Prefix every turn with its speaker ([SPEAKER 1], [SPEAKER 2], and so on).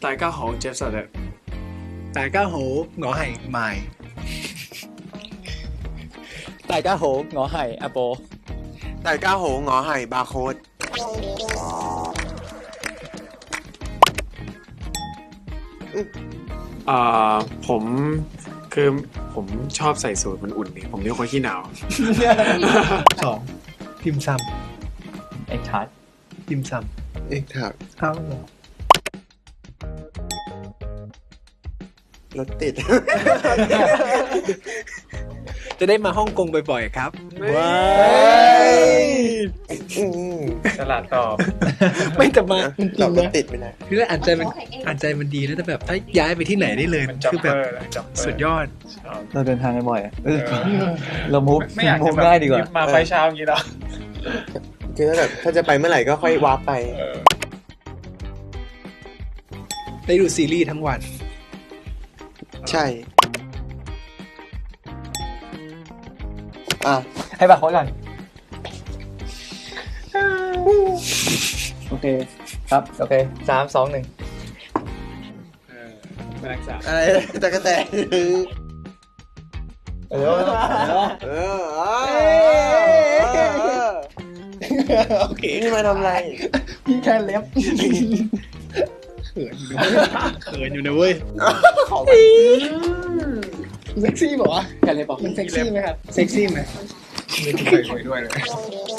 [SPEAKER 1] 大家好接受的
[SPEAKER 2] 大家好，我係麥。
[SPEAKER 3] 大家好，我係阿波。
[SPEAKER 4] 大家好，我係บาร์โค้ด
[SPEAKER 1] ผมคือผมชอบใส่สูทมันอุ่นนี่ผมเป็นคนขี้หนาว
[SPEAKER 2] 2. พิมพ์ซ้
[SPEAKER 3] เอ็กทัส
[SPEAKER 2] ำพิมพ์ซ้
[SPEAKER 4] เอกถัก
[SPEAKER 2] ำเอ้าร
[SPEAKER 4] ถติด
[SPEAKER 2] จะได้มาฮ่องกงบ่อยๆครับ
[SPEAKER 1] ว้า
[SPEAKER 4] อืม
[SPEAKER 1] ฉลาดตอบ
[SPEAKER 2] ไม่แต่มาจริ
[SPEAKER 4] เรา
[SPEAKER 2] ง
[SPEAKER 4] ร
[SPEAKER 2] ๆ
[SPEAKER 4] ถ
[SPEAKER 2] นะ
[SPEAKER 4] ติดไปไหน
[SPEAKER 2] คืออ่านใจมันดีแล้วแต่แบบถ้าย้ายไปที่ไหนได้เลย
[SPEAKER 1] มันจ็อก
[SPEAKER 2] คือ
[SPEAKER 1] เป
[SPEAKER 2] แบ
[SPEAKER 1] อบ ร์นะจ็อกเปอร์
[SPEAKER 2] สุดยอด
[SPEAKER 3] เราเดินทางกันบ่อยอะเรามูฟ
[SPEAKER 1] ไม่อยาก
[SPEAKER 3] มู
[SPEAKER 1] จะ
[SPEAKER 3] ฟ
[SPEAKER 1] แบบ
[SPEAKER 3] ง่ายดีกว่า
[SPEAKER 1] มาไปเช้าอย่างนี้หรอ
[SPEAKER 4] คือถ้าจะไปเมื่อไหร่ก็ค่อยวาร์ปไป
[SPEAKER 2] ได้ดูซีรีส์ทั้งวัน
[SPEAKER 4] ใช่ อ่ะ
[SPEAKER 3] ให้บักเขาก่อนโอเค ครับ โอเค3 2 1
[SPEAKER 1] เป็นนักศึกษา
[SPEAKER 4] อะไรตะกะแตน
[SPEAKER 3] เดี๋ยว
[SPEAKER 4] โอเคนี่มาทำอะไร
[SPEAKER 3] พี่แค่เล็บ
[SPEAKER 2] เขินอยู่นะเว้ย
[SPEAKER 4] ขอ
[SPEAKER 3] เซ็กซี่บอกว่าแค่เล็บบอกมันเซ็กซี่ไหมครับ
[SPEAKER 2] เซ็กซี่ไหม
[SPEAKER 1] ไม่เคยคุยด้วยเลย